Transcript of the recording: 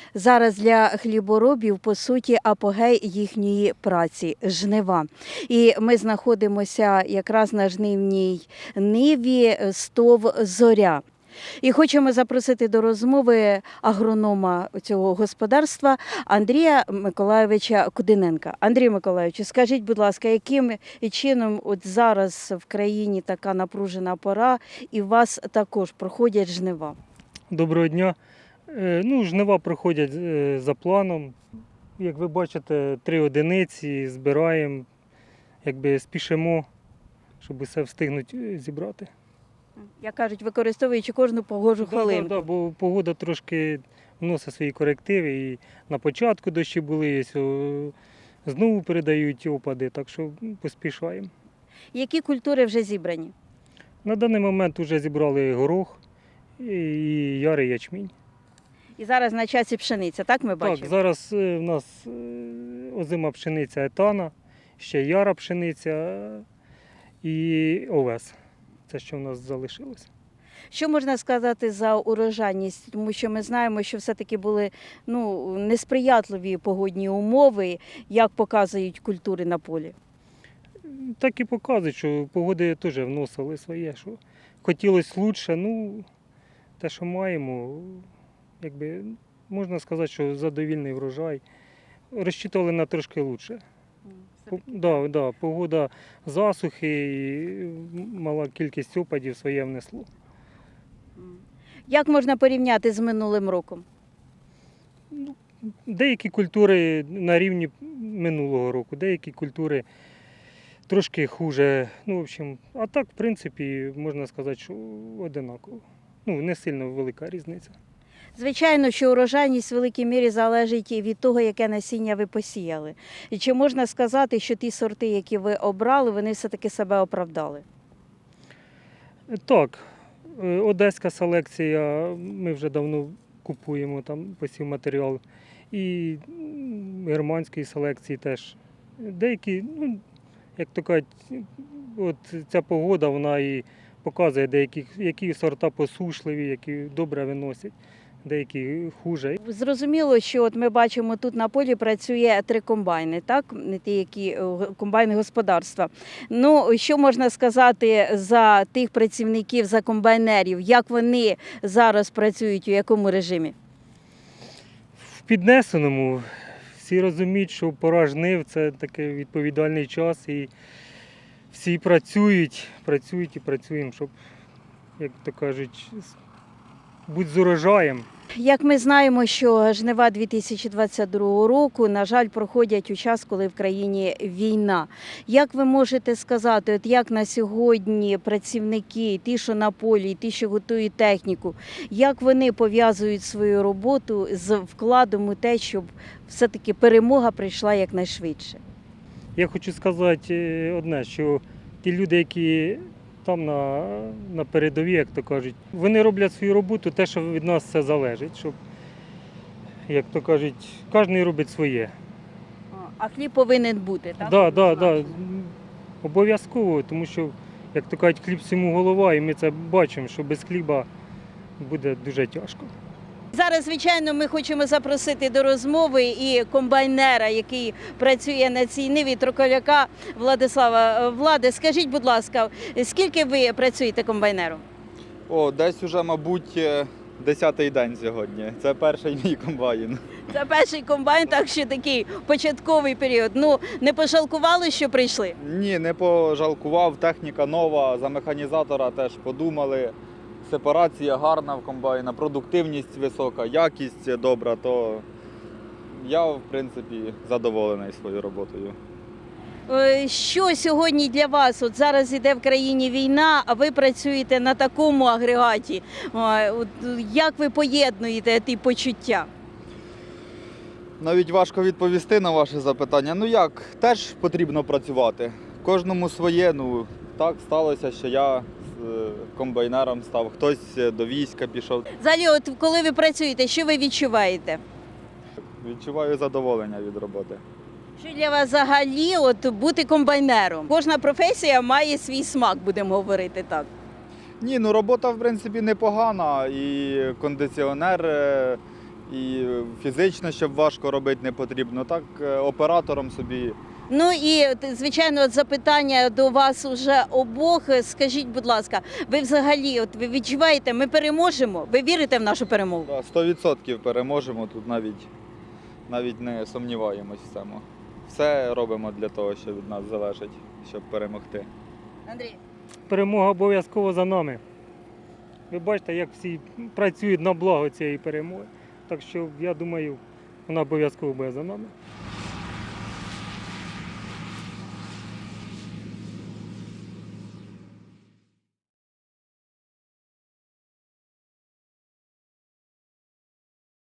Зараз для хліборобів, по суті, апогей їхньої праці – жнива. І ми знаходимося якраз на жнивній ниві СТОВ «Зоря». І хочемо запросити до розмови агронома цього господарства Андрія Миколайовича Кудиненка. Андрій Миколайович, скажіть, будь ласка, яким чином от зараз в країні така напружена пора і у вас також проходять жнива? Доброго дня. Жнива проходять за планом. Як ви бачите, 3 одиниці збираємо, спішимо, щоб усе встигнути зібрати. Як кажуть, використовуючи кожну погожу хвилинку. Так, бо погода трошки вносить свої корективи. І на початку дощі були, знову передають опади, так що поспішаємо. Які культури вже зібрані? На даний момент вже зібрали горох і ярий ячмінь. І зараз на часі пшениця, так ми бачимо? Так, зараз в нас озима пшениця етана, ще яра пшениця і овес. Це, що в нас залишилось. Що можна сказати за урожайність? Тому що ми знаємо, що все-таки були несприятливі погодні умови, як показують культури на полі. Так і показують, що погоди теж вносили своє, що хотілося краще, те, що маємо, можна сказати, що задовільний врожай. Розчитували на трошки краще. Погода засухи і мала кількість опадів своє внесло. Як можна порівняти з минулим роком? Деякі культури на рівні минулого року, деякі культури трошки хуже. А так, в принципі, можна сказати, що одинаково. Не сильно велика різниця. Звичайно, що урожайність в великій мірі залежить від того, яке насіння ви посіяли. І чи можна сказати, що ті сорти, які ви обрали, вони все-таки себе оправдали? Так, одеська селекція, ми вже давно купуємо там посівматеріал. І германської селекції теж. Деякі, як то кажуть, от ця погода, вона і показує, які сорта посушливі, які добре виносять. Деякі хуже. Зрозуміло, що от ми бачимо, тут на полі працює 3 комбайни, так? Не ті, які комбайни господарства. Що можна сказати за тих працівників, за комбайнерів? Як вони зараз працюють, у якому режимі? В піднесеному. Всі розуміють, що пора жнив – це такий відповідальний час. І всі працюють і працюємо, щоб, як то кажуть, бути з урожаєм. Як ми знаємо, що жнива 2022 року, на жаль, проходять у час, коли в країні війна. Як ви можете сказати, от як на сьогодні працівники, ті, що на полі, ті, що готують техніку, як вони пов'язують свою роботу з вкладом у те, щоб все-таки перемога прийшла якнайшвидше? Я хочу сказати одне, що ті люди, які там на передовій, як то кажуть, вони роблять свою роботу, те, що від нас все залежить, щоб, як то кажуть, кожен робить своє. А хліб повинен бути, так? Так, обов'язково, тому що, як то кажуть, хліб всьому голова, і ми це бачимо, що без хліба буде дуже тяжко. Зараз, звичайно, ми хочемо запросити до розмови і комбайнера, який працює на цій ниві, Троколяка Владислава. Владе, скажіть, будь ласка, скільки ви працюєте комбайнером? Десь уже, мабуть, 10-й день сьогодні. Це перший мій комбайн. Це перший комбайн, так що такий початковий період. Не пожалкували, що прийшли? Ні, не пожалкував, техніка нова, за механізатора теж подумали. Сепарація гарна в комбайна, продуктивність висока, якість добра, то я, в принципі, задоволений своєю роботою. Що сьогодні для вас? От зараз іде в країні війна, а ви працюєте на такому агрегаті. Як ви поєднуєте ті почуття? Навіть важко відповісти на ваше запитання. Теж потрібно працювати. Кожному своє, так сталося, що я комбайнером став, хтось до війська пішов. Взагалі, от коли ви працюєте, що ви відчуваєте? Відчуваю задоволення від роботи. Що для вас взагалі бути комбайнером? Кожна професія має свій смак, будемо говорити так. Ні, робота, в принципі, непогана. І кондиціонер І фізично, щоб важко робити не потрібно. Так, оператором собі. Ну і звичайно, от запитання до вас уже обох. Скажіть, будь ласка, ви взагалі, от ви відчуваєте, ми переможемо? Ви вірите в нашу перемогу? Да, 100% переможемо, тут навіть не сумніваємось в цьому. Все робимо для того, що від нас залежить, щоб перемогти. Андрій. Перемога обов'язково за нами. Ви бачите, як всі працюють на благо цієї перемоги. Так що, я думаю, вона обов'язково буде за нами.